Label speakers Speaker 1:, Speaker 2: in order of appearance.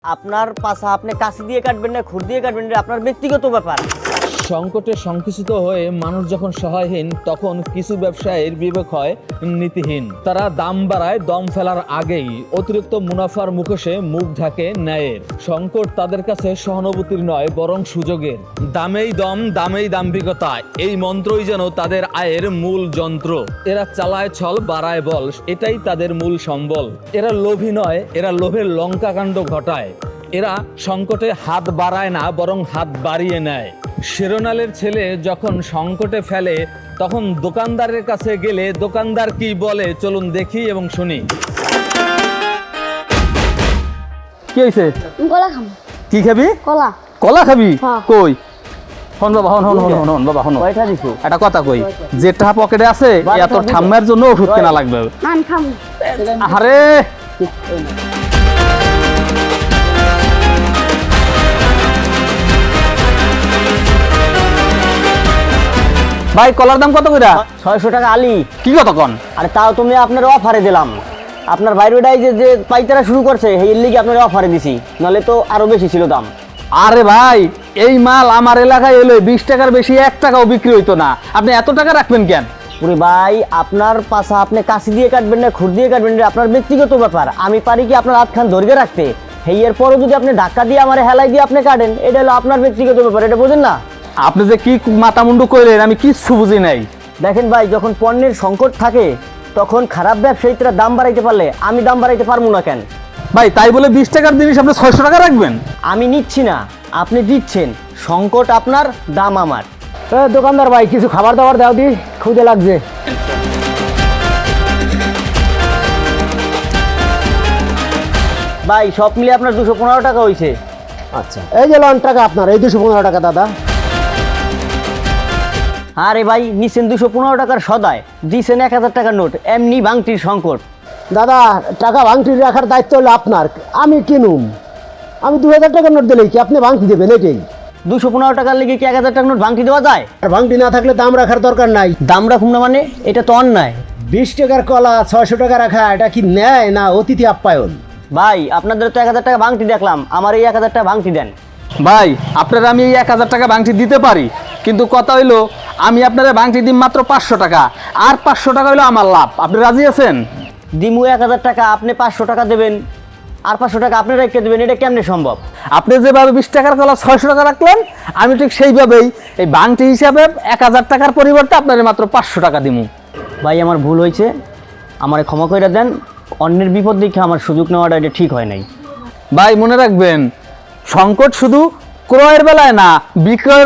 Speaker 1: আপনার পাশা আপনি কাশি দিয়ে কাটবেন না খুর দিয়ে কাটবেন এটা আপনার ব্যক্তিগত ব্যাপার।
Speaker 2: সংকটে সংকুচিত হয়ে মানুষ যখন সহায়হীন তখন কিছু ব্যবসায়ীর বিবেক হয় নীতিহীন। তারা দাম বাড়ায় দম ফেলার আগেই, অতিরিক্ত মুনাফার মুখোশে মুখ ঢাকে ন্যায়ের। সংকট তাদের কাছে সহানুভূতির নয় বরং সুযোগের। দামেই দম, দামেই দাম্ভিকতা, এই মন্ত্রই যেন তাদের আয়ের মূল যন্ত্র। এরা চালায় ছল, বাড়ায় বল, এটাই তাদের মূল সম্বল। এরা লোভী নয়, এরা লোভের লঙ্কাকাণ্ড ঘটায়। এরা সংকটে হাত বাড়ায় না বরং হাত বাড়িয়ে নেয়। শিরোনালের ছেলে যখন সংকটে ফেলে তখন দোকানদারের কাছে গেলে দোকানদার কি বলে চলুন দেখি এবং শুনি। কি হয়েছে?
Speaker 3: কলা খাবো।
Speaker 2: কি খাবি?
Speaker 3: কলা।
Speaker 2: কলা খাবি?
Speaker 3: হ্যাঁ।
Speaker 2: কই হন বাবা, হন হন হন হন হন বাবা, হন।
Speaker 1: কয়টা দিছো?
Speaker 2: একটা কথা কই, যেটা পকেটে আছে এত ঠাম্মার জন্য ওষুধ কেনা লাগবে।
Speaker 3: নান খাবো।
Speaker 2: আরে ভাই, কলার দাম কত কইরা?
Speaker 1: 600 টাকা আলি।
Speaker 2: কি কত কন?
Speaker 1: আরে তাও তুমি আপনার অফারে দিলাম। আপনার বাইরেটাই যে পাইতারা শুরু করছে এর লিগে আপনার অফারে দিছি, নাহলে তো আরো বেশি ছিল দাম।
Speaker 2: আরে ভাই, এই মাল আমার এলাকায় এলে 20 টাকার বেশি 1 টাকাও বিক্রি হইতো না, আপনি এত টাকা রাখবেন কেন?
Speaker 1: পুরি ভাই, আপনার পাশা আপনি কাশি দিয়ে কাটবেন না খুর দিয়ে কাটবেন এটা আপনার ব্যক্তিগত ব্যাপার। আমি পারি কি আপনার হাতখান ধরে রাখতে? এর পরও যদি আপনি ধাক্কা দিয়ে আমার হেলাই দিয়ে আপনি কাটেন, এটা হলো আপনার ব্যক্তিগত ব্যাপার, এটা বোঝেন না?
Speaker 2: আপনি যে কি মাথা মুন্ডু কইলেন আমি কিচ্ছু বুঝি নাই।
Speaker 1: দেখেন ভাই, যখন পণ্যের সংকট থাকে তখন খারাপ ব্যবসায়ীরা দাম বাড়াইতে পারলে আমি দাম বাড়াইতে পারবো না কেন?
Speaker 2: ভাই তাই বলে 20 টাকার জিনিস আপনি 600 টাকা রাখবেন?
Speaker 1: আমি নিচ্ছি না, আপনি দিচ্ছেন। সংকট আপনার, দাম আমার।
Speaker 4: দোকানদার ভাই, কিছু খাবার দাবার দাও দি, খুদে লাগছে।
Speaker 1: ভাই সব মিলে আপনার 215 টাকা হয়েছে।
Speaker 4: আচ্ছা, এই যে লন টাকা আপনার, এই 215 টাকা দাদা।
Speaker 1: আরে ভাই, নিচ্ছেন 215 টাকার সদায়, দিচ্ছেন 1000 টাকার নোট, এমনি ভাঙটির সংকট।
Speaker 4: দাদা, টাকা ভাঙটি রাখার দায়িত্ব হলো আপনার, আমি কিনুম। আমি 2000 টাকার নোট দিলেই কি আপনি ভাঙটি দেবেন? এটাই
Speaker 1: 215 টাকার লেগে কি 1000 টাকার নোট ভাঙটি দেওয়া যায়?
Speaker 4: আর ভাঙটি না থাকলে দাম রাখার দরকার নাই।
Speaker 1: দাম রাখুন না মানে? এটা তো অন্যায়।
Speaker 4: 20 টাকার কলা 600 টাকা রাখা, এটা কি ন্যায় না অতিথি আপ্যায়ন?
Speaker 1: ভাই আপনাদের তো 1000 টাকা ভাঙটি দেখলাম, আমার এই 1000 টাকা ভাঙটি দেন।
Speaker 2: ভাই আপনারা আমি এই 1000 টাকা ভাঙটি দিতে পারি, কিন্তু কথা হইলো আমি আপনারা ভাঙটি দিই মাত্র 500 টাকা, আর 500 টাকা হইলো আমার লাভ। আপনি রাজি আছেন?
Speaker 1: দিমু 1000 টাকা, আপনি 500 টাকা দেবেন, আর 500 টাকা আপনি রেখে দেবেন, এটা কেমনে সম্ভব?
Speaker 2: আপনি যেভাবে 20 টাকার কলা 600 টাকা রাখলেন, আমি ঠিক সেইভাবেই এই ভাঙটি হিসাবে 1000 টাকার পরিবর্তে আপনার মাত্র 500 টাকা দিমু।
Speaker 1: ভাই আমার ভুল হয়েছে, আমারে ক্ষমা করে দেন। অন্যের বিপদ দেখে আমার সুযোগ নেওয়াটা এটা ঠিক হয় নাই।
Speaker 2: ভাই মনে রাখবেন, সংকট শুধু ক্রয়ের বেলায় না, বিক্রয়ের